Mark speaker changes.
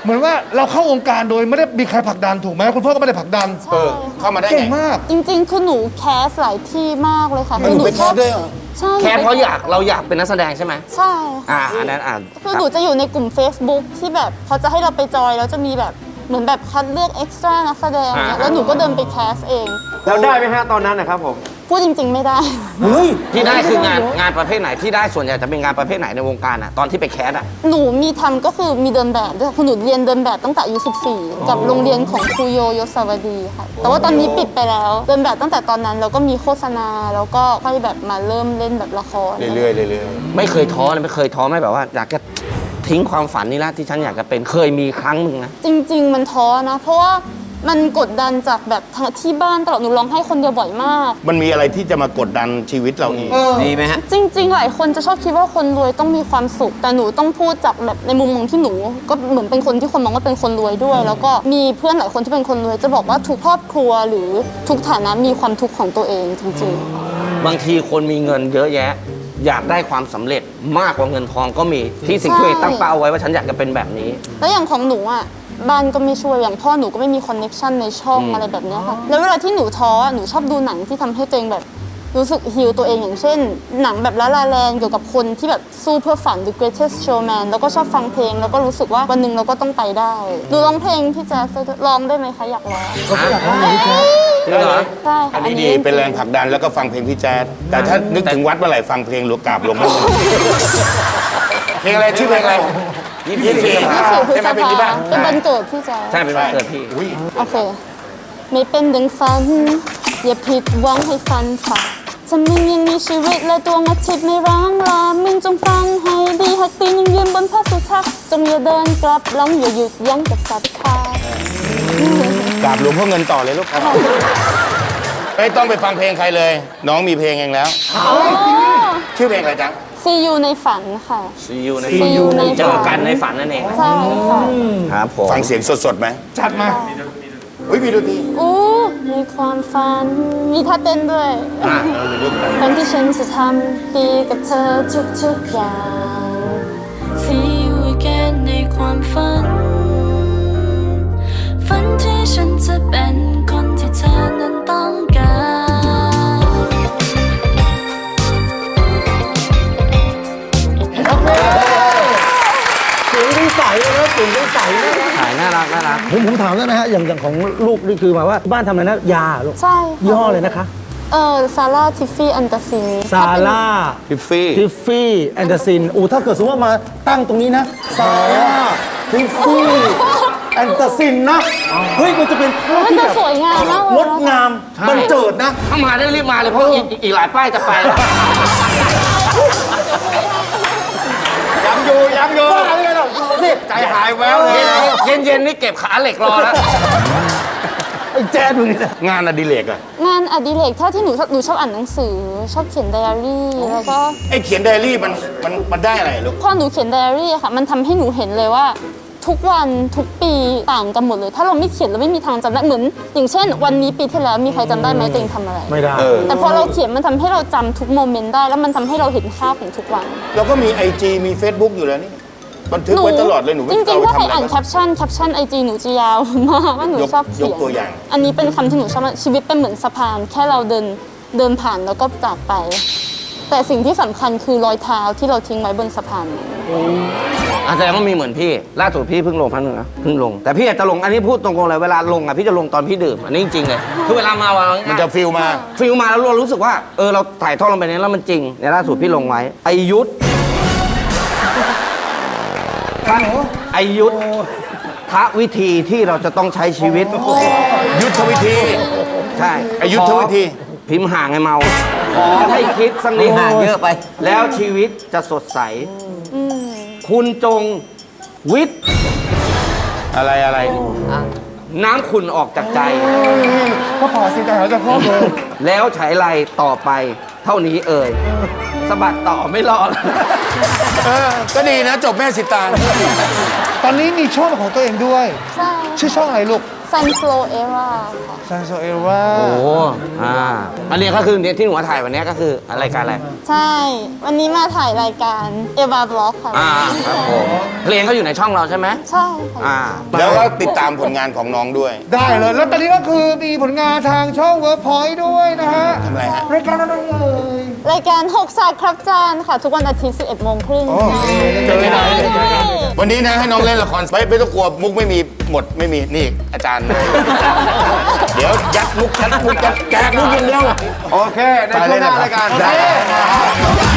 Speaker 1: เหมือนว่าเราเข้าวงการโดยไม่ได้มีใครผลักดันถูกไหมคุณพ่อก็ไม่ได้ผลักดัน
Speaker 2: เข้ามาได้
Speaker 1: เก่ง
Speaker 2: ไง
Speaker 1: มาก
Speaker 3: จริงๆคือหนูแคสหลายที่มากเลยค่ะ
Speaker 2: หนูไปแคสด้วยเหรอ
Speaker 3: ใช่
Speaker 4: แค่เพราะเราอยากเป็นนักแสดงใช่ไหม
Speaker 3: ใช่ค่ะ
Speaker 4: อันนั้น
Speaker 3: คือหนูจะอยู่ในกลุ่ม Facebook ที่แบบเขาจะให้เราไปจอยแล้วจะมีแบบเหมือนแบบคัดเลือกเอ็กซ์ตร้านักแสดงเนี่ยแล้วหนูก็เดินไปแคสเอง
Speaker 5: แล้วได้ไหมฮะตอนนั้นนะครับผม
Speaker 3: พูดจริง ๆ ไม่ได้
Speaker 4: ที่ได้คืองานประเภทไหนที่ได้ส่วนใหญ่จะเป็นงานประเภทไหนในวงการตอนที่ไปแคส
Speaker 3: หนูมีทำก็คือมีเดินแบบด้วยคือหนูเรียนเดินแบบตั้งแต่อายุ 14 กับโรงเรียนของครูโยยศวดีค่ะ แต่ว่าตอนนี้ปิดไปแล้ว เดินแบบตั้งแต่ตอนนั้นแล้วก็มีโฆษณาแล้วก็ค่อยแบบมาเริ่มเล่นแบบละคร
Speaker 2: เรื่อยๆเรื่อย
Speaker 4: ไม่เคยท้อเลยไม่เคยท้อไหม่แบบว่าอยากจะทิ้งความฝันนี่ละที่ฉันอยากจะเป็นเคยมีครั้งหนึ่งนะ
Speaker 3: จริง ๆ มันท้อนะ เพราะว่ามันกดดันจากแบบทางที่บ้านตลอดหนูร้องไห้คนเดียวบ่อยมาก
Speaker 2: ๆมันมีอะไรที่จะมากดดันชีวิตเราอีก
Speaker 5: ดีไหมฮะ
Speaker 3: จริง ๆ หลายคนจะชอบคิดว่าคนรวยต้องมีความสุข แต่หนูต้องพูดจากแบบในมุมมองที่หนูก็เหมือนเป็นคนที่คนมองว่าเป็นคนรวยด้วย แล้วก็มีเพื่อนหลายคนที่เป็นคนรวยจะบอกว่าทุกครอบครัวหรือทุกฐานะมีความทุกข์ของตัวเองจริง
Speaker 4: บางทีคนมีเงินเยอะแยะ อยากได้ความสำเร็จมากกว่าเงินทองก็มีที่สิ่งที่ตัวเองตั้งเป้าไว้ว่าฉันอยากจะเป็นแบบนี้
Speaker 3: ๆ แล้วอย่างของหนูอ่ะบ้านก็ไม่ช่วยอย่างพ่อหนูก็ไม่มีคอนเน็กชันในช่องอะไรแบบเนี้ยค่ะแล้วเวลาที่หนูท้อหนูชอบดูหนังที่ทำให้ตัวเองแบบรู้สึกฮิลตัวเองอย่างเช่น หนังแบบละลาแลนเกี่ยวกับคนที่แบบสู้เพื่อฝัน The Greatest Showman แล้วก็ชอบฟังเพลงแล้วก็รู้สึกว่าวันหนึ่งเราก็ต้องไปได้ดูร้องเพลงพี่แจ๊สร้องได้ไหมคะอยากร้อง
Speaker 1: ก็อยากร้องเพลงพี่แจ๊ค
Speaker 4: จริงเหรอ
Speaker 3: ใช่ค่ะ
Speaker 2: อันนี้ดีเป็นแรงผลักดันแล้วก็ฟังเพลงพี่แจ๊ดแต่ถ้านึกถึงวัดเมื่อไหร่ฟังเพลงหลวงกราบหลวงพ่อเพลงอะไรชื่อเพลงอะไร
Speaker 3: 24 พฤษภาเป็นวันเกิดพี่แจ๊ส
Speaker 4: ใช่เป็นวันเกิดพี่
Speaker 3: โอเค ไม่เป็นดังฝัน อย่าผิดหวังให้ฝันฝ่าถ้ามึงยังมีชีวิตและดวงอาทิตย์ไม่ร้างลามึงจงฟังให้ดีหากตีนยังยืนบนพระสุทัศน์จงอย่าเดินกลับหลังอย่าหยุดยั้งกับศรัทธาก
Speaker 2: ราบหลวงพ่อเงินต่อเลยลูกไม่ต้องไปฟังเพลงใครเลย น้องมีเพลงเองแล้ว ชื่อเพลงอะไรจ๊ะ
Speaker 3: See you ในฝันค่ะ
Speaker 4: See you ใน
Speaker 3: See you ในฝัน
Speaker 4: เจอกันในฝันนั่นเอง
Speaker 3: ใช่ค่ะ
Speaker 4: ครับผม
Speaker 2: ฟังเสียงสดๆไหม
Speaker 1: จัดมา
Speaker 2: อุ้ยมีดนตรี
Speaker 3: อู้ในความฝัน มีท่าเต้นด้วย ฝันที่ฉันจะทำดีกับเธอทุกๆอย่าง
Speaker 6: See you again ในความฝัน ฝันที่ฉันจะเป็นคนที่เธอนั้นต้องการ
Speaker 5: เสียงดีใสเลยนะเสียงดีใสเลย
Speaker 4: ขายน่ารักน่ารัก
Speaker 5: ผมถามได้ไหมฮะอย่างของลูกนี่คือหมายว่าบ้านทำอะไรนะยาลูก
Speaker 3: ใช่
Speaker 5: ยี่ห้อเลยนะคะ
Speaker 3: ซาร่าทิฟฟี่อันตาซิน
Speaker 5: ซาร่า
Speaker 2: ทิฟฟี่
Speaker 5: ทิฟฟี่แอนเดอร์ซินถ้าเกิดสมมติว่ามาตั้งตรงนี้นะซาร่าทิฟฟี่แอนเดอร์ซินนะเฮ้ยมันจะเป็นภาพ
Speaker 3: มัน
Speaker 5: ที่
Speaker 3: จะ
Speaker 5: แบบ
Speaker 3: สวยงามมาก
Speaker 5: งดงามบันเจิดนะ
Speaker 4: ถ้ามาได้รีบมาเลยเพราะอีกหลายป้ายจะไปแล้ว
Speaker 2: ยังอยู่
Speaker 5: บ้าเลยเหรอดูสิ
Speaker 2: ใจหายแววเลย
Speaker 4: เย็นๆนี่เก็บขาเหล็กรอแล้ว
Speaker 5: ไอ้แจ๊ดดูนี่นะ
Speaker 2: งานอดิเรกอะ
Speaker 3: งานอดิเรกถ้าที่หนูชอบอ่านหนังสือ ชอบเขียนไดอารี่แล้วก็
Speaker 2: ไอ้เขียนไดอารี่มันได้อะไรลูก
Speaker 3: พอหนูเขียนไดอารี่อะค่ะ มันทำให้หนูเห็นเลยว่า ทุกวันทุกปีต่างกันหมดเลย ถ้าเราไม่เขียนเราไม่มีทางจำได้เหมือนอย่างเช่น วันนี้ปีที่แล้วมีใครจำได้ไหมตัวเองทำอะไร
Speaker 5: ไม่ได้
Speaker 3: แต่พอเราเขียนมันทำให้เราจำทุกโมเมนต์ได้แล้วมันทำให้เราเห็นค่าของทุกวัน
Speaker 2: เราก็มี IG มี Facebook อยู่แล้วนี่บันทึกไว้ตลอดเลยหนู
Speaker 3: จริงๆ
Speaker 2: เอา
Speaker 3: ถ้า
Speaker 2: ไป
Speaker 3: ใคร
Speaker 2: ทำอะไร
Speaker 3: อ่าน
Speaker 2: บ้าง
Speaker 3: แคปชั่นไอจีหนูจะยาวมากว่าหนูชอบเขียน
Speaker 2: ยกตัวอย่าง
Speaker 3: อันนี้เป็นคำที่หนูชอบมากชีวิตเป็นเหมือนสะพาน แค่เราเดินผ่านแล้วก็จากไป แต่สิ่งที่สำคัญคือรอยเท้าที่เราทิ้งไว้บนสะพานนั้น
Speaker 4: แสดงว่ามีเหมือนพี่ล่าสุดพี่เพิ่งลงพันหนึ่งนะเพิ่งลงแต่พี่อาจจะลงอันนี้พูดตรงๆเลยเวลาลงพี่จะลงตอนพี่ดื่มอันนี้จริงๆเลยคือเวลามาวัน
Speaker 2: มันจะฟิลมา
Speaker 4: ฟิลมาแล้วเรารู้สึกว่าเราถ่ายทอดลงไปในแล้วมันจริงในล่าสุดพี่ลงไว้ไอยุทธไอยุทธทะวิธีที่เราจะต้องใช้ชีวิต
Speaker 2: ยุทธวิธี
Speaker 4: ใช่
Speaker 2: ไอ้ยุทธวิธี
Speaker 4: พิมพ์ห่างไงเมาขอให้คิดสักนิดห่างเยอะไป แล้วชีวิตจะสดใสคุณจงวิทย์
Speaker 2: อะไร
Speaker 4: น้ำขุ่นออกจากใจ
Speaker 1: ก็พอสิแต่หาจะพ่อเลย
Speaker 4: แล้วฉายไรต่อไปเท่านี้สะบัดต่อไม่รอแล้ว
Speaker 2: ก็ดีนะจบแม่สิตาง
Speaker 1: ตอนนี้มีช่องของตัวเองด้วย
Speaker 3: ใช่
Speaker 1: ชื่อช่องอะไรลูก
Speaker 3: Sun Flow Era ค่ะ
Speaker 1: ซานโซเอว่า
Speaker 4: โอ้อันนี้ก็คือที่หนูมาถ่ายวันนี้ก็คือรายการอะไร
Speaker 3: ใช่ วันนี้มาถ่ายรายการเอวาบล็อกค่ะ
Speaker 4: ครับผมเพลงก็อยู่ในช่องเราใช่ไหม
Speaker 3: ใช่ค่ะ
Speaker 2: แล้วก็ติดตามผลงานของน้องด้วย
Speaker 1: ได้เลย แล้วตอนนี้ก็คือมีผลงานทางช่อง Workpoint ด้วยนะฮะ
Speaker 2: ทำอะไรฮะ
Speaker 1: รายการอะไรเอ่ย
Speaker 3: รายการ 6 ศาสตร์ครับจานค่ะ ทุกวันอาทิตย์ 11 โมงครึ่ง
Speaker 1: เจอไหน
Speaker 2: วันนี้นะให้น้องเล่นละครไม่ต้องกลัวมุกไม่มีหมดไม่มีนี่อาจารย์ เดี๋ยวยัดมุกแจกมุกอย่างเดียว
Speaker 4: โอเค ในช่วงหน้ารายการ
Speaker 2: ได้